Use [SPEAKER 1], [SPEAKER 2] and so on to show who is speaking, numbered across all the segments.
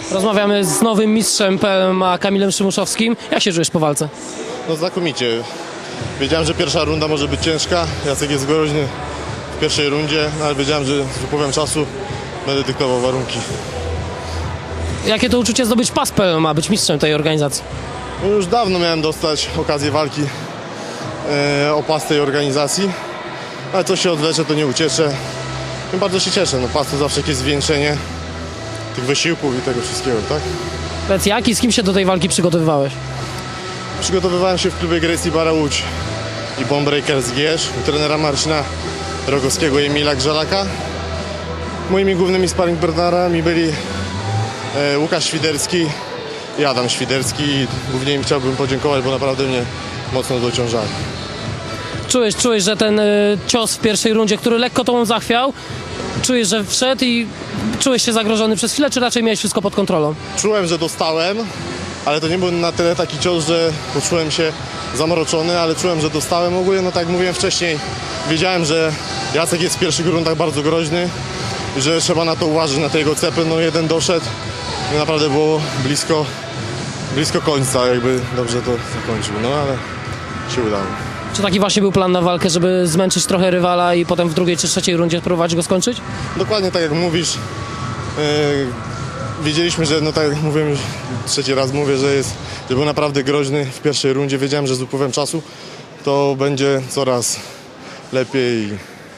[SPEAKER 1] Rozmawiamy z nowym mistrzem PLMA Kamilem Szymuszowskim. Jak się czujesz po walce?
[SPEAKER 2] No znakomicie. Wiedziałem, że pierwsza runda może być ciężka. Jacek jest groźny w pierwszej rundzie, ale wiedziałem, że z upływem czasu będę dyktował warunki.
[SPEAKER 1] Jakie to uczucie zdobyć pas PLMA, być mistrzem tej organizacji?
[SPEAKER 2] No już dawno miałem dostać okazję walki o pas tej organizacji, ale co się odwlecze, to nie ucieszę. Tym bardzo się cieszę. No, pas to zawsze jakieś zwieńczenie tych wysiłków i tego wszystkiego, tak?
[SPEAKER 1] Powiedz, jak i z kim się do tej walki przygotowywałeś?
[SPEAKER 2] Przygotowywałem się w klubie Gracie Barra Łódź i Bonebreakers Gierz u trenera Marcina Rogowskiego i Emila Grzalaka. Moimi głównymi sparring partnerami byli Łukasz Świderski i Adam Świderski. Głównie im chciałbym podziękować, bo naprawdę mnie mocno dociążali.
[SPEAKER 1] Czułeś, że ten cios w pierwszej rundzie, który lekko tobą zachwiał, czujesz, że wszedł i czułeś się zagrożony przez chwilę, czy raczej miałeś wszystko pod kontrolą?
[SPEAKER 2] Czułem, że dostałem, ale to nie był na tyle taki cios, że poczułem się zamroczony, ale czułem, że dostałem. Ogólnie, no tak jak mówiłem wcześniej, wiedziałem, że Jacek jest w pierwszych rundach bardzo groźny i że trzeba na to uważać, na te jego cepy. No jeden doszedł i naprawdę było blisko końca, jakby dobrze to zakończył, no ale się udało.
[SPEAKER 1] Czy taki właśnie był plan na walkę, żeby zmęczyć trochę rywala i potem w drugiej czy trzeciej rundzie próbować go skończyć?
[SPEAKER 2] Dokładnie tak jak mówisz. Wiedzieliśmy, że no tak jak mówiłem, już trzeci raz mówię, że był naprawdę groźny w pierwszej rundzie. Wiedziałem, że z upływem czasu to będzie coraz lepiej.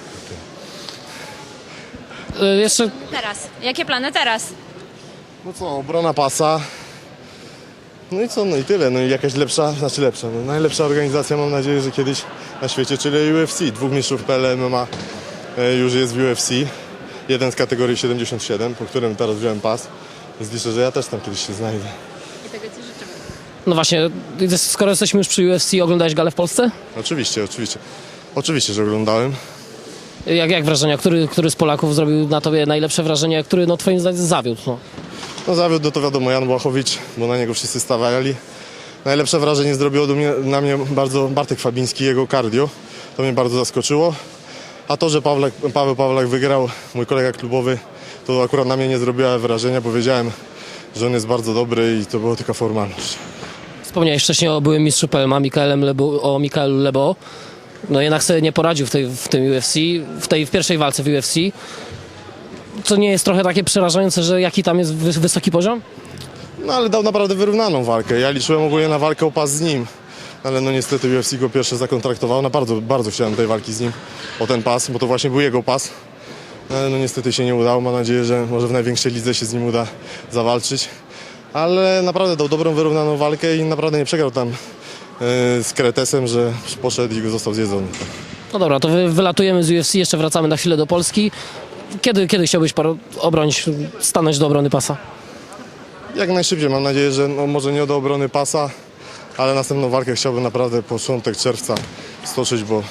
[SPEAKER 1] Jeszcze
[SPEAKER 3] Teraz. Jakie plany teraz?
[SPEAKER 2] No co, obrona pasa. No i co, no i tyle. No i jakaś lepsza, no najlepsza organizacja, mam nadzieję, że kiedyś na świecie, czyli UFC. Dwóch mistrzów PLMA już jest w UFC. Jeden z kategorii 77, po którym teraz wziąłem pas. Więc liczę, że ja też tam kiedyś się znajdę.
[SPEAKER 3] I tego ci życzymy.
[SPEAKER 1] no właśnie, skoro jesteśmy już przy UFC, oglądałeś galę w Polsce?
[SPEAKER 2] Oczywiście. Oczywiście, że oglądałem.
[SPEAKER 1] Jak wrażenia? Który z Polaków zrobił na tobie najlepsze wrażenie, a który no twoim zdaniem zawiódł? No.
[SPEAKER 2] No zawiódł, no to wiadomo, Jan Błachowicz, bo na niego wszyscy stawiali. Najlepsze wrażenie zrobiło na mnie bardzo Bartek Fabiński, jego cardio. To mnie bardzo zaskoczyło. A to, że Paweł Pawlak wygrał, mój kolega klubowy, to akurat na mnie nie zrobiło wrażenia, bo wiedziałem, że on jest bardzo dobry i to była tylko formalność.
[SPEAKER 1] Wspomniałeś wcześniej o byłym mistrzu PLMA o Mikaelu Lebo. No jednak sobie nie poradził w tym UFC, w pierwszej walce w UFC. Co nie jest trochę takie przerażające, że jaki tam jest wysoki poziom?
[SPEAKER 2] No ale dał naprawdę wyrównaną walkę. Ja liczyłem ogólnie na walkę o pas z nim. Ale no niestety UFC go pierwszy zakontraktował. No bardzo chciałem tej walki z nim o ten pas, bo to właśnie był jego pas. Ale no niestety się nie udało. Mam nadzieję, że może w największej lidze się z nim uda zawalczyć. Ale naprawdę dał dobrą, wyrównaną walkę i naprawdę nie przegrał tam z Kretesem, że poszedł i go został zjedzony.
[SPEAKER 1] No dobra, to wylatujemy z UFC, jeszcze wracamy na chwilę do Polski. Kiedy chciałbyś stanąć do obrony pasa? Jak
[SPEAKER 2] najszybciej. Mam nadzieję, że no, może nie do obrony pasa, ale następną walkę chciałbym naprawdę początek czerwca stoczyć, bo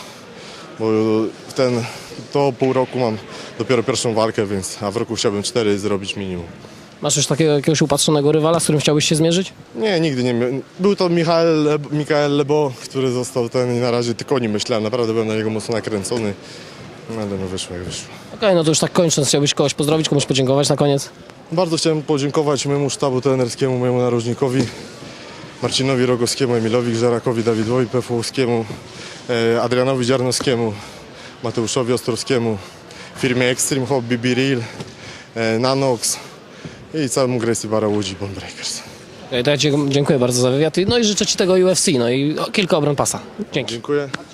[SPEAKER 2] to pół roku mam dopiero pierwszą walkę, a w roku chciałbym 4 zrobić minimum.
[SPEAKER 1] Masz już takiego jakiegoś upatrzonego rywala, z którym chciałbyś się zmierzyć?
[SPEAKER 2] Nie, nigdy nie miałem. Był to Mikael Lebo, który został ten i na razie tylko o nim myślałem. Naprawdę byłem na niego mocno nakręcony, ale no wyszło jak wyszło.
[SPEAKER 1] Okej, no to już tak kończąc, chciałbyś kogoś pozdrowić, komuś podziękować na koniec?
[SPEAKER 2] Bardzo chciałem podziękować mojemu sztabu trenerskiemu, mojemu narożnikowi, Marcinowi Rogowskiemu, Emilowi Grzarakowi, Dawidowi Pefołowskiemu, Adrianowi Dziarnowskiemu, Mateuszowi Ostrowskiemu, firmie Extreme Hobby, Be Real, Nanox i całemu Gracie Barra Łódź i Bonebreakers.
[SPEAKER 1] To ja ci dziękuję bardzo za wywiad. No i życzę ci tego UFC, no i kilka obron pasa. Dzięki.
[SPEAKER 2] Dziękuję.